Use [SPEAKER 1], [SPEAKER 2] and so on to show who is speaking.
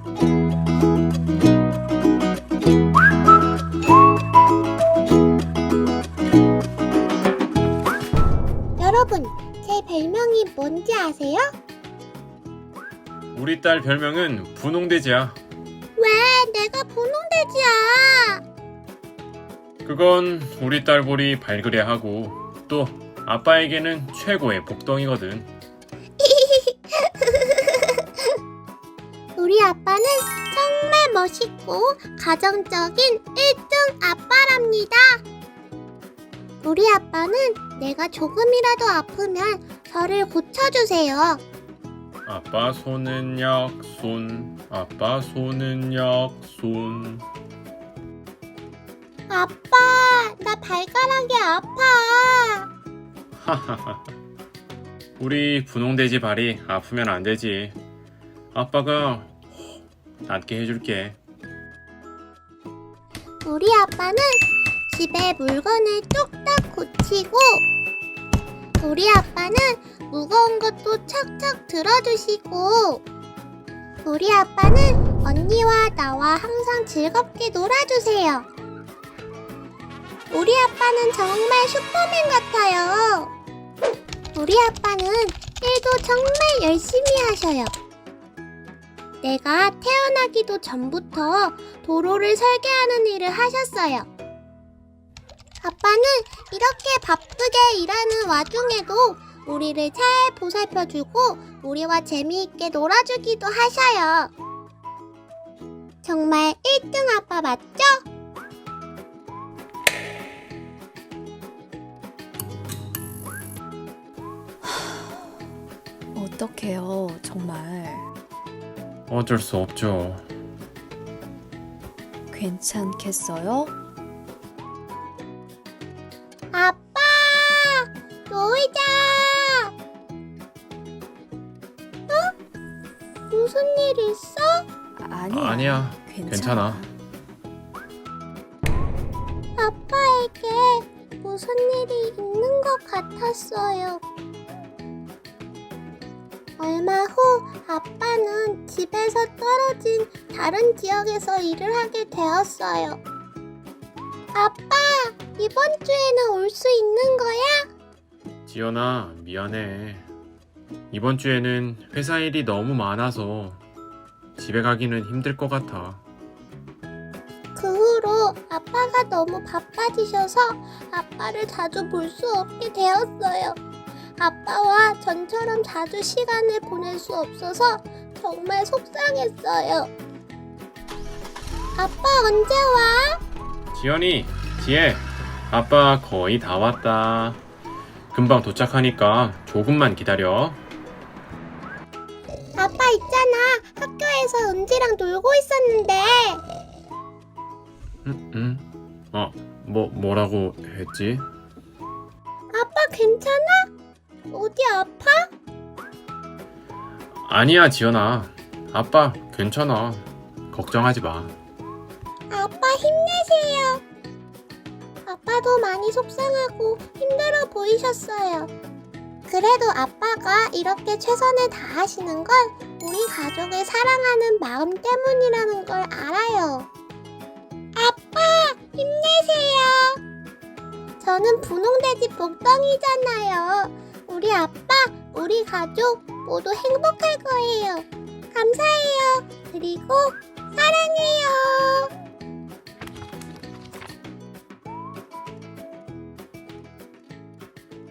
[SPEAKER 1] 여러분, 제 별명이 뭔지 아세요?
[SPEAKER 2] 우리 딸 별명은 분홍돼지야.
[SPEAKER 1] 왜 내가 분홍돼지야?
[SPEAKER 2] 그건 우리 딸 볼이 발그레하고 또 아빠에게는 최고의 복덩이거든.
[SPEAKER 1] 우리 아빠는 정말 멋있고 가정적인 1등 아빠랍니다. 우리 아빠는 내가 조금이라도 아프면 저를 고쳐주세요.
[SPEAKER 2] 아빠 손은 약손, 아빠 손은 약손.
[SPEAKER 1] 아빠, 나 발가락이 아파.
[SPEAKER 2] 하하하. 우리 분홍돼지 발이 아프면 안 되지. 아빠가 낫게 해줄게.
[SPEAKER 1] 우리 아빠는 집에 물건을 뚝딱 고치고, 우리 아빠는 무거운 것도 척척 들어주시고, 우리 아빠는 언니와 나와 항상 즐겁게 놀아주세요. 우리 아빠는 정말 슈퍼맨 같아요. 우리 아빠는 일도 정말 열심히 하셔요. 내가 태어나기도 전부터 도로를 설계하는 일을 하셨어요. 아빠는 이렇게 바쁘게 일하는 와중에도 우리를 잘 보살펴주고 우리와 재미있게 놀아주기도 하셔요. 정말 1등 아빠 맞죠?
[SPEAKER 3] 어떡해요, 정말.
[SPEAKER 2] 어쩔 수 없죠.
[SPEAKER 3] 괜찮겠어요?
[SPEAKER 1] 아빠! 놀자! 무슨 일 있어?
[SPEAKER 3] 아니야.
[SPEAKER 2] 괜찮아.
[SPEAKER 1] 아빠에게 무슨 일이 있는 것 같았어요. 얼마 후 아빠는 집에서 떨어진 다른 지역에서 일을 하게 되었어요. 아빠, 이번 주에는 올 수 있는 거야?
[SPEAKER 2] 지연아, 미안해. 이번 주에는 회사 일이 너무 많아서 집에 가기는 힘들 것 같아.
[SPEAKER 1] 그 후로 아빠가 너무 바빠지셔서 아빠를 자주 볼 수 없게 되었어요. 아빠와 전처럼 자주 시간을 보낼 수 없어서 정말 속상했어요. 아빠 언제 와?
[SPEAKER 2] 지연이, 지혜, 아빠 거의 다 왔다. 금방 도착하니까 조금만 기다려.
[SPEAKER 1] 아빠 있잖아. 학교에서 은지랑 놀고 있었는데.
[SPEAKER 2] 뭐라고 했지?
[SPEAKER 1] 아빠 괜찮아? 어디 아파?
[SPEAKER 2] 아니야, 지연아. 아빠 괜찮아. 걱정하지 마.
[SPEAKER 1] 아빠 힘내세요. 아빠도 많이 속상하고 힘들어 보이셨어요. 그래도 아빠가 이렇게 최선을 다하시는 건 우리 가족을 사랑하는 마음 때문이라는 걸 알아요. 아빠 힘내세요. 저는 분홍돼지 복덩이잖아요. 우리 아빠, 우리 가족 모두 행복할 거예요. 감사해요. 그리고 사랑해요.